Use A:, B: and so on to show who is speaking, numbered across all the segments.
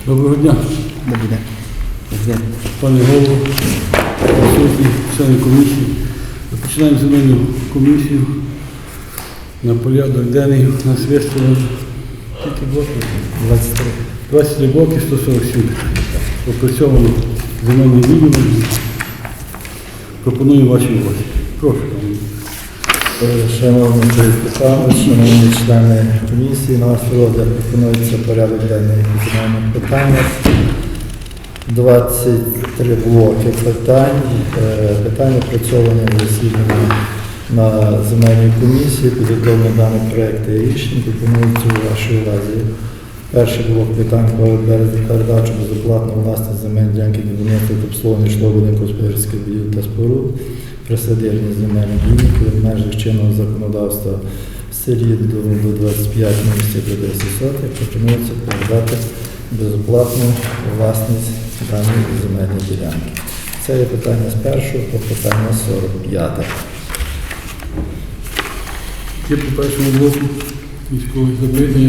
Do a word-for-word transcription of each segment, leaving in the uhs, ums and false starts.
A: Доброго дня.
B: Добрий день. Добрий день.
A: Пане голово, присутні, члени комісії. Починаємо земельну комісію. На порядок денний у нас виставлено скільки блоків?
B: двадцять три.
A: двадцять три блоки, сто сорок сім. Опрацьовано земельний відділ. Пропоную вашій увазі. Прошу.
B: Шановний Сергій Степанович, шановні члени комісії, на ваш розгляд пропонується порядок денний земельних питань. двадцять три блоки питань. Е, Питання опрацьовані в засіданні на земельній комісії, підготовлені дані проекти і рішень, пропонуються у вашій увазі. Перший блок питань про передачу безоплатно власність земельної ділянки для будівництва та обслуговування житлового будинку господарських будівель та споруд, присадибні земельні ділянки в межах чинного законодавства в селі до, до двадцять п'ять місяців до десять сотих, пропонується передати безоплатну власність даної земельної ділянки. Це є питання з першого по питання сорок п'яте.
A: Є по першому блоку військових запитання.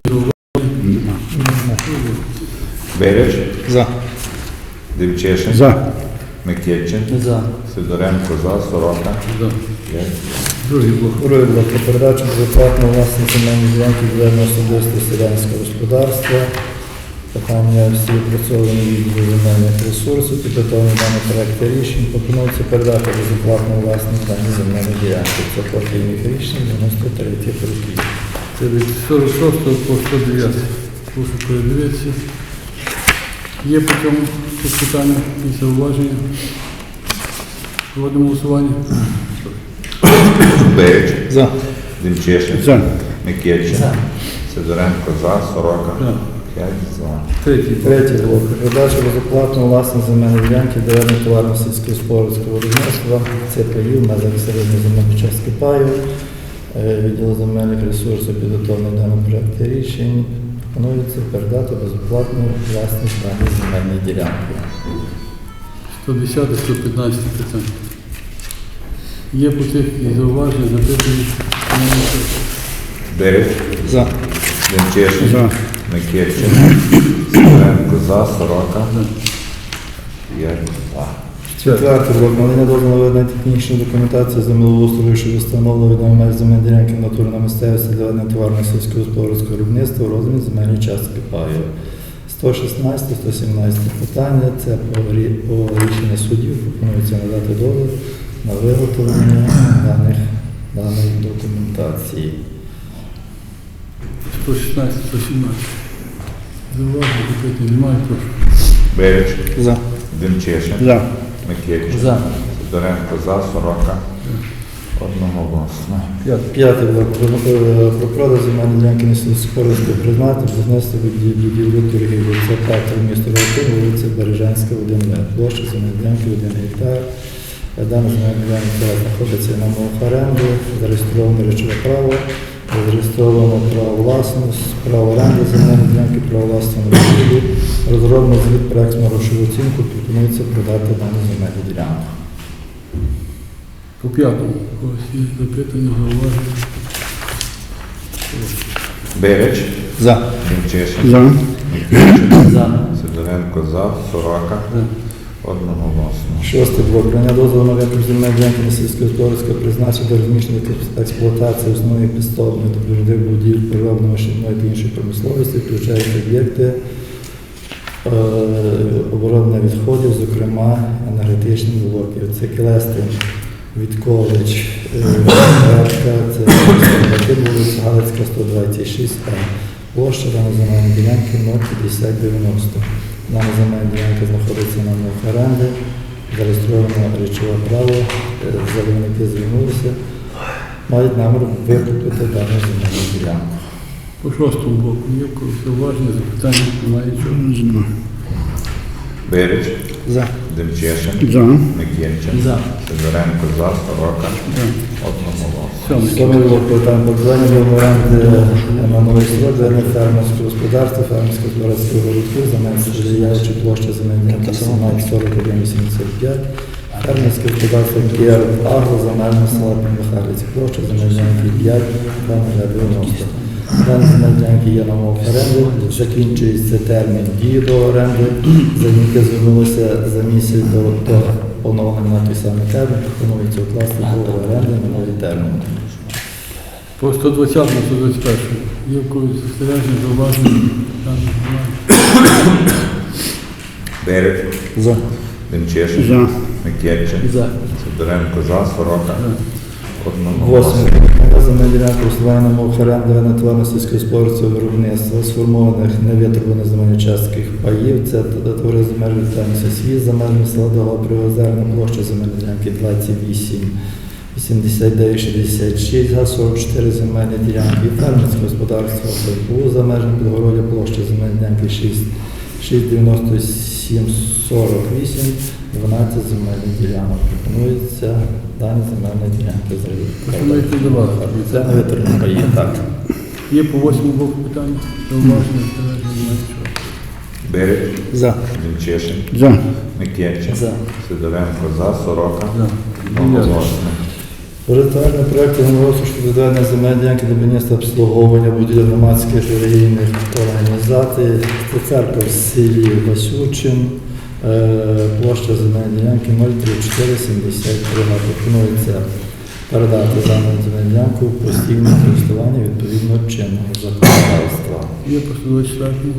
C: Береч,
B: За.
C: Демчешин,
A: За.
C: Микечин,
B: За.
C: Сидоренко, за, Сорока.
A: За.
C: Є.
A: Другий блок.
B: Другий блок про передачу безоплатно власність земельної ділянки для особистого селянського господарства. Питання всі опрацьовані відділу земельних ресурсів, підготовлені дані проекти рішень. Пропонується передати безоплатну власність дані земельної ділянки. Це партійних рішень дев'яносто третіх років.
A: Це від сорок шостого по сто дев'ятий. Прошу передивитися. Є по цьому питання і зауваження. Проводимо голосування.
C: Береч,
B: За.
C: Демчешин,
A: За.
C: Микечин,
B: За.
C: Сидоренко, за, Сорока.
A: За.
C: П'ять за.
A: Третій блок.
B: Третій блок. Передача безоплатно власність земельної ділянки для товарно сільськогосподарського виробництва. Це паїв на середньої земельної частки паю. Е, Відділ земельних ресурсів підготовлений даний проект рішень. Пропонується передати безоплатну власність даної земельної ділянки.
A: сто десяте, сто п'ятнадцяте питання. Є по цих і зауваження, запитання.
C: Береч,
B: За.
C: Демчешин,
A: За.
C: Микечин, Сидоренко, за, Сорока. П'ять за.
B: Четвертий блок. Надання дозволу на ведення технічної документації землеустрою щодо встановлення відомої меж земельної ділянки натури на місцевості для ведення тварного сільськогосподарського виробництва у розмірі земельної частки паю. сто шістнадцяте, сто сімнадцяте питання. Це по, рі- по рішенню суддів. Пропонується надати дозвіл на виготовлення даних, даної документації.
A: сто шістнадцять, сто сімнадцять. Зауваження, запитання немає, прошу.
C: Береч,
B: За.
C: Демчешин,
A: За.
C: Микечин,
B: За.
C: Сидоренко, за, Сорока. Одноголосно.
B: П'ятий блок. Про, е, про продаж земельної ділянки на сільськогосподарського призначення, будівництво будівлі торгівлі. Це п'ятий місто Рокин, вулиця Бережанська, один Б. Площа земельної ділянки один гектар. Дана земельна ділянка знаходиться на мовах оренди, зареєстровано речове право, зареєстровано право власності, право оренди земельної ділянки, право власності на будівлі. Розроблено звіт проект на грошову оцінку, пропонується продати дану земельну ділянку.
A: По п'ятому. Ось є запитання, зауваження.
C: Береч,
B: За.
C: Демчешин,
A: За.
C: Микечин,
B: За.
C: Сидоренко, за, Сорока. Одноголосно.
B: Шостий блок. Прийняття дозволу на викуп земельної ділянки на сільськогосподарського призначення до розміщення та експлуатації основної підстопної та природних будівель переробної машинної та іншої промисловості, включаючи об'єкти е, оборонних відходів, зокрема енергетичні блоки. Це Келестин, Віткович, Радка, це вулиця Галицька, сто двадцять шість А. Площа даної земельної ділянки нуль п'ятдесят дев'яносто. Дана земельна ділянка знаходиться на мовах оренди, зареєстровано речове право, заявники звернулися, мають намір викупити дану земельну ділянку.
A: По шостому блоку є в когось зауваження, запитання, немає нічого.
C: Береч,
B: За.
C: Демчешин,
A: За.
C: Микечин,
B: За.
C: Сидоренко, за, Сорока.
A: За.
C: Одноголосно.
A: Сьомий.
B: Сьомий блок питань покладання до оренди на новий срок для фермерського господарства, фермерського господарського городків, замінюючи площа земельної ділянки сімнадцять сорок один вісімдесят п'ять. Фермерське господарство Кіар Агро, земельне села Михайлівці, площа земельної ділянки п'ять дев'яносто. Дані земельні ділянки є на умовах оренди, закінчується термін дії до оренди, заявники звернулися за місяць до, до поновлення на той самий термін, пропонується укласти договір оренди на новий термін.
A: По сто двадцятому, сто двадцять першому. Є в когось застереження, зауваження? Там немає.
C: Береч,
B: За.
C: Демчешин,
A: За.
C: Микельчин,
B: За.
C: Сидоренко за, Сорока, одного
B: Восьме. Земельні ділянки користування на умовах оренди на тваринно-сільськогосподарського виробництва сформованих невитребуваних земельних частких паїв. Це товари земельних ділянки світ за межами села Дова Приозерна, площа земельної ділянки двадцять вісім вісімдесят дев'ять шістдесят шість, га сорок чотири земельні ділянки, фермерське господарство ППУ за межами Підгородя, площа земельної ділянки шість дев'яносто сім сорок вісім, дванадцять земельних ділянок. Пропонується дані земельні ділянки
A: Пропонуєте давати.
B: Це не витребувані паї, так.
A: Є по восьмому боку питання? Зауваження, застереження, немає нічого.
C: Береч,
B: За.
C: Демчешин,
A: За.
C: Микельчин,
B: За.
C: Сидоренко за, Сорока,
A: За.
C: одноголосно.
B: Проєктувальний проєкт землеустрою щодо відведення земельної ділянки для будівництва обслуговування будівель громадських релігійних організацій. Це церква в селі Васючин, е, площа земельної ділянки нуль тридцять чотири сімдесят три. Пропонується передати дану земельну ділянку в постійне користування відповідно чинного законодавства.
A: Є по сто двадцять четвертому?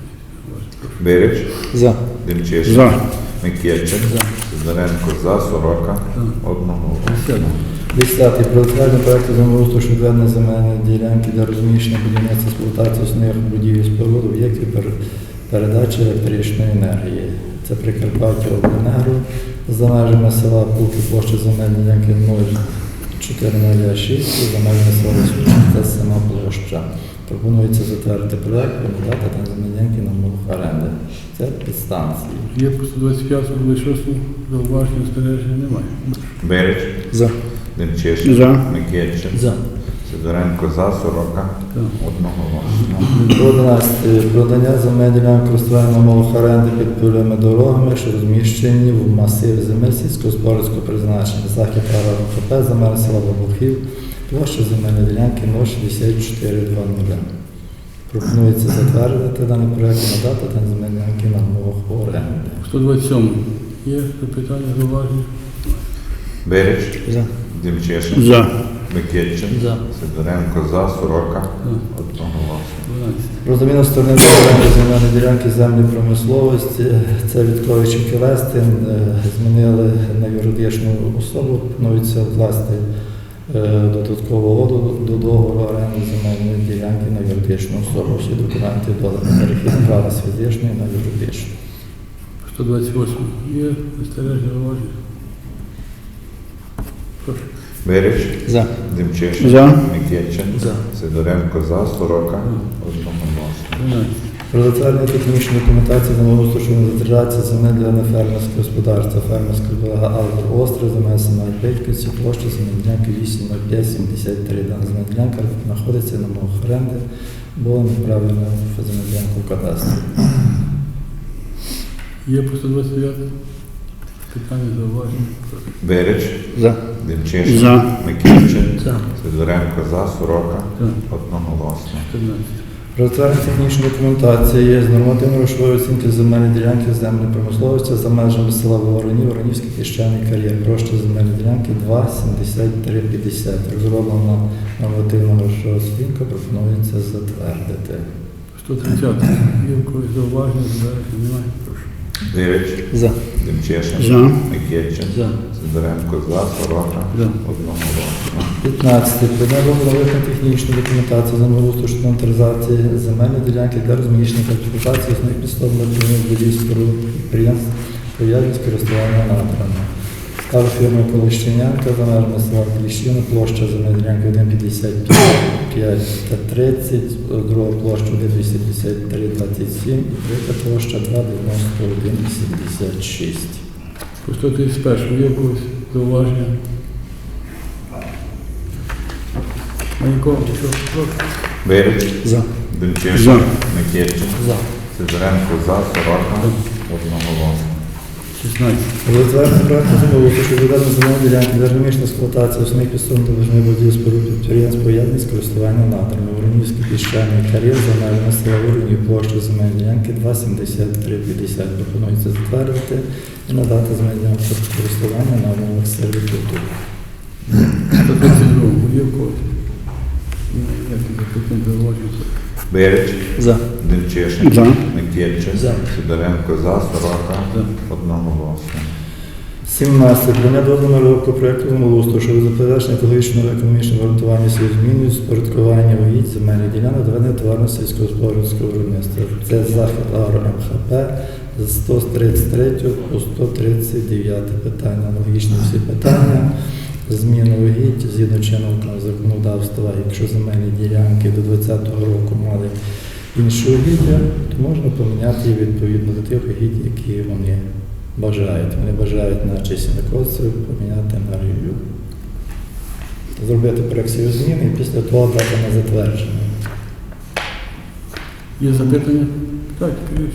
C: Береч,
B: За.
C: Демчешин,
A: За.
C: Микельчин, Сидоренко за, Сорока, одноголосно.
A: Десятий.
B: Десятий. Проєктувальний проєкт землеустрою щодо відведення земельної ділянки для розміщення будівництва експлуатації основних будівель споруд об'єктів пер- передачі електричної енергії. Це Прикарпаття Обленерго за межами села Пулки, площа земельної ділянки нуль чотири нуль шість, і за межами села Васючин, це сама площа. Пропонується затвердити проєкт, передати там земельні ділянки на умовах оренди. Це підстанції.
A: Є по сто двадцять п'ятому, двадцять шостому? Зауваження, застереження, немає.
C: Береч,
B: За.
C: Демчешин,
A: За.
C: Микельчин,
B: За.
C: Сидоренко за, Сорока,
A: За.
C: одноголосно.
B: одинадцяте. Продання земель ділянок користування на умовах оренди під польовими дорогами, що розміщені в масиві земель сільськогосподарського призначення. Захід АРА за межами села Бабухів, площа земельної ділянки нуль шістдесят чотири двадцять. Пропонується затвердити даний проєкт і надати там земельні ділянки на умовах оренди.
A: сто двадцять сьомому. Є запитання, зауваження?
C: Береч,
B: За.
C: Демчешин,
A: За.
C: Микельчин,
B: За.
C: Сидоренко за, Сорока,
A: За.
C: одноголосно.
A: дванадцять.
B: Про заміну сторони ділянки земельної ділянки землі промисловості. Це Вітковичів Келестин. е, Змінили на юридичну особу. Пропонується вкласти е, додаткову угоду до договору оренди земельної ділянки на юридичну особу. Всі документи додані. Перехід права з фізичної на юридичну.
A: сто двадцять восьмому. Є застереження, зауваження? Прошу.
C: Береч,
B: За.
C: Демчешин,
A: За.
C: Микельчин,
B: За.
C: Сидоренко за, Сорока, одноголосно.
A: дванадцять.
B: Про затвердження технічної документації землеустрою щодо затвердження земель для нефермерського господарства, фермерського блага Алгор Остров, земель села Петьківці, площа земельної ділянки вісім нуль п'ять сімдесят три. Дана земельна ділянка знаходиться на мовах оренди, була неправильно земельна ділянка в кадастрі.
A: Є по сто двадцять дев'ятому? Питання, зауваження? Прошу.
C: Береч,
B: За.
C: Демчешин,
A: За.
C: Микельчин,
B: За.
C: Сидоренко за, Сорока,
A: За.
C: одноголосно.
A: чотирнадцять.
B: Про затвердження технічної документації є з нормативно-грошової оцінки земельної ділянки земельної промисловості за межами села Воронів, Воронівський піщаний кар'єр. Площа земельної ділянки два сімдесят три п'ятдесят. Розроблена нормативно-грошова оцінка, пропонується затвердити.
A: сто тридцять. Є в когось зауваження, застереження, немає? Прошу.
C: Береч,
B: За.
C: Демчешин,
A: За.
C: Микельчин,
B: За.
C: Сидоренко за, Сорока,
A: За.
C: одноголосно.
B: п'ятнадцяте. Прийняття нових технічної документації землеустрою щодо інвентаризації земельної ділянки для розміщення та експлуатації основних підстав для будівель споруд підприємств, пов'язаних з користуванням надрами. Стала фірма Колищенянка за межами села Кліщина, площа земельної ділянки один п'ятдесят п'ять та тридцять, друга площа один вісімдесят три двадцять сім і третя площа два дев'яносто один вісімдесят шість.
A: По сто тридцять першому. Є в когось зауваження? Манько, що? Прошу.
C: Береч,
B: За.
C: Демчешин,
A: За.
C: Микельчин,
B: За.
C: Сидоренко за, Сорока, одноголосно.
A: шістнадцять.
B: Затвердження проекту землеустрою щодо відведення земельної ділянки для розміщення експлуатації основних підсобних та важливих будівель споруд підприємств поєднаних з користування надрами. Воронівський піщаний кар'єр за межами села Воронів площею земельної ділянки два сімдесят три п'ятдесят. Пропонується затвердити і надати земельну ділянку в користування на умовах сервітуту.
A: сто тридцять два. Є в когось? Ну, як і запитання зауваження.
C: Береч,
B: За.
C: Демчишин,
A: За.
C: Микільчин,
B: За.
C: Сидоренко, за, Сорока,
A: За.
C: одноголосно.
B: сімнадцять. Прийняття дозволу на розробку проєкту землеустрою щодо забезпечення екологічного та економічного обґрунтування сільських зміною спорядкування угідь земельних ділянок для ведення товарного сільськогосподарського виробництва. Це захід АРО МХП з сто тридцять третього по сто тридцять дев'яте питання. Аналогічні всі питання. Зміна угідь згідно чинного законодавства, якщо земельні ділянки до двадцятого року мали інші угіддя, то можна поміняти їх відповідно до тих угідь, які вони бажають. Вони бажають на чисінокосців поміняти на рев'ю. Зробити проект всі зміни і після того дати на затвердження.
A: Є запитання? Так, Кирич.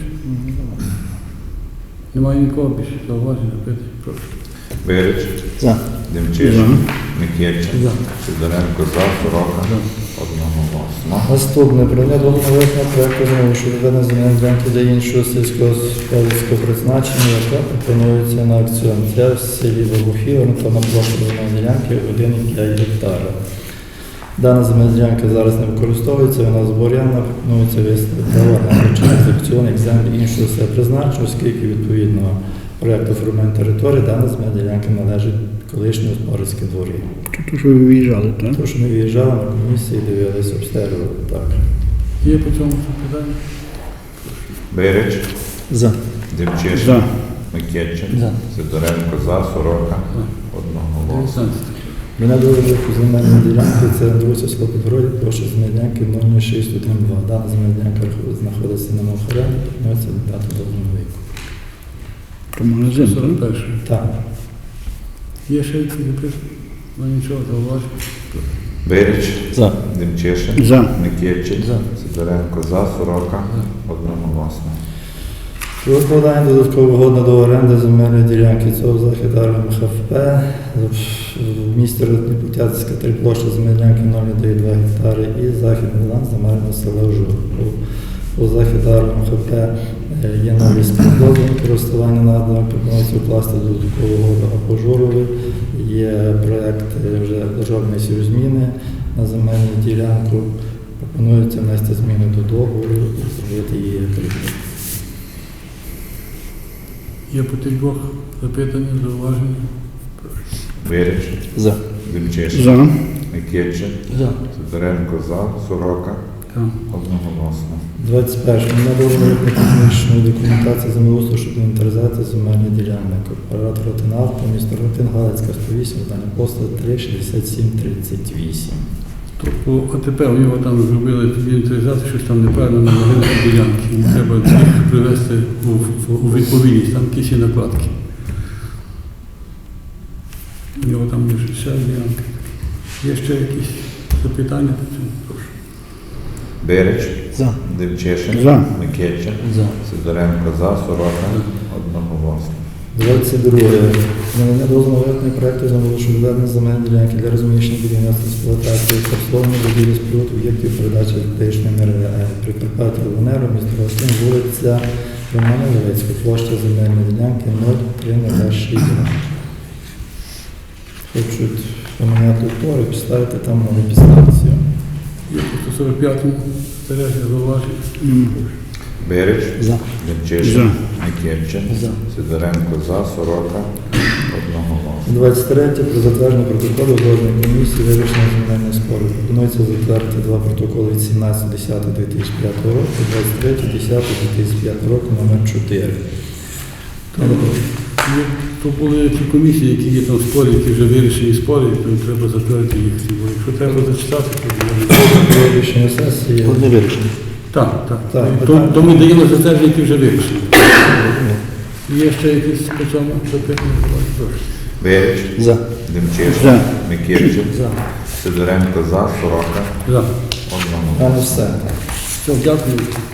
A: Немає нікого більше зауважень, запитань. Прошу.
C: Береч,
B: За.
C: Демчишин, Микільчин,
A: За.
C: Сидоренко, за, Сорока, одноголосно.
B: Наступне. Прийняття дозволу на проєкту знову щодо ведення земельної ділянки для іншого сільськогосподарського призначення, яка пропонується на аукціон. Це в селі Вибухів, орієнтовна площа земельної ділянки один і п'ять гектара. Дана земельна ділянка зараз не використовується, вона зборяна, пропонується виставити на через аукціон як землі іншого села призначення, оскільки відповідно проєкту формування території дана земельна ділянка належить колишньому господарській дворі.
A: Тут що ви виїжджали, так?
B: Тому що ми виїжджали на комісії, дивилися, обстежували. Так.
A: Є по цьому запитання?
C: Береч,
B: За.
C: Демчишин,
A: За.
C: Микільчин,
B: За.
C: Сидоренко, за, Сорока, одноголосно.
A: дев'ятнадцять.
B: Мене дуже земельної ділянки, це Андрусі село Підгородя, площа земельної ділянки нуль нуль шість один два. Дана земельна ділянка знаходиться на Мохоряні, пропонується дати дозволу віку.
A: По магазин, сорок перший.
B: Так.
A: Є ще які запитання? Ну нічого, зауважень.
C: Береч,
B: За.
C: Демчишин,
A: За.
C: Микільчин,
B: За.
C: Сидоренко, за, Сорока, одноголосно.
B: Про укладання додаткового угоди до оренди земельної ділянки цього захід МХФП в місті Ротніпутятська три площі земельної ділянки нуль дев'ять два гектари і західний лан земельного села Жур. У захід МХФП є нові співдозвіл користування наданими, пропонується укласти додаткову угоду або Журові. Є проєкт вже державної сівзміни на земельну ділянку. Пропонується внести зміни до договору і зробити її прибуток.
A: Є по тих двох запитання, зауваження?
C: Береч,
B: За.
C: Демчишин,
A: За.
C: Микільчин,
B: За.
C: Сидоренко, за, Сорока,
A: Так.
C: одноголосно.
B: двадцять перше. Надовження технічної документації землеустрою щодо інвентаризації земельних ділянок. Оператор Ротинавто, місто Ротин, Галицька, сто вісім, здання посту три шістдесят сім тридцять вісім.
A: Тобто АТП у нього там зробили інвентаризацію, щось там неправильно на вигляді ділянки. І треба їх привести у, у, у відповідність, там якісь є накладки. У нього там є ще ділянки. Є ще якісь запитання по цьому? Прошу.
C: Береч,
B: За.
C: Демчишин,
A: За.
C: Микільчин,
B: За.
C: Сидоренко, за, Сорока, одноголосно.
B: двадцять друге. Надання дозволу на виконання проєкту землеустрою відведення земельної ділянки для розміщення будівництва експлуатації та обслуговування будівлі споруд об'єктів передачі електричної енергії Прикарпаття Ленерго, місто Ростин, вулиця Романа Левицького, площа земельної ділянки нуль три нуль шість. Хочуть поміняти утвори, поставити там нову підстанцію.
A: Є по сто сорок п'ятому збереження зауваження?
C: Береч,
B: За.
C: Демчишин, Микільчин,
B: За.
C: Сидоренко, за, Сорока, одноголосно.
B: двадцять третє. Про затвердження протоколу узгодженої комісії вирішення земельних спорів. Пропонується затвердити два протоколи від сімнадцятого десятого дві тисячі п'ятого року і двадцять третього десятого дві тисячі п'ятого року номер чотири.
A: Є, то були ті комісії, які є там спори, які вже вирішені спори, то треба затвердити їх всі. Бо якщо треба зачитати, то буде.
B: Рішення сесії.
D: Одне вирішення.
A: Так, так.
B: Так,
A: то,
B: питання.
A: то ми даємо затвердження, які вже вирішені. Є ще якісь по цьому запитання? Прошу.
C: Береч,
D: За.
C: Демчишин,
A: За.
C: Микільчин,
B: За.
C: Сидоренко, за, Сорока,
A: За.
C: одноголосно.
B: А не все.
A: Все, дякую.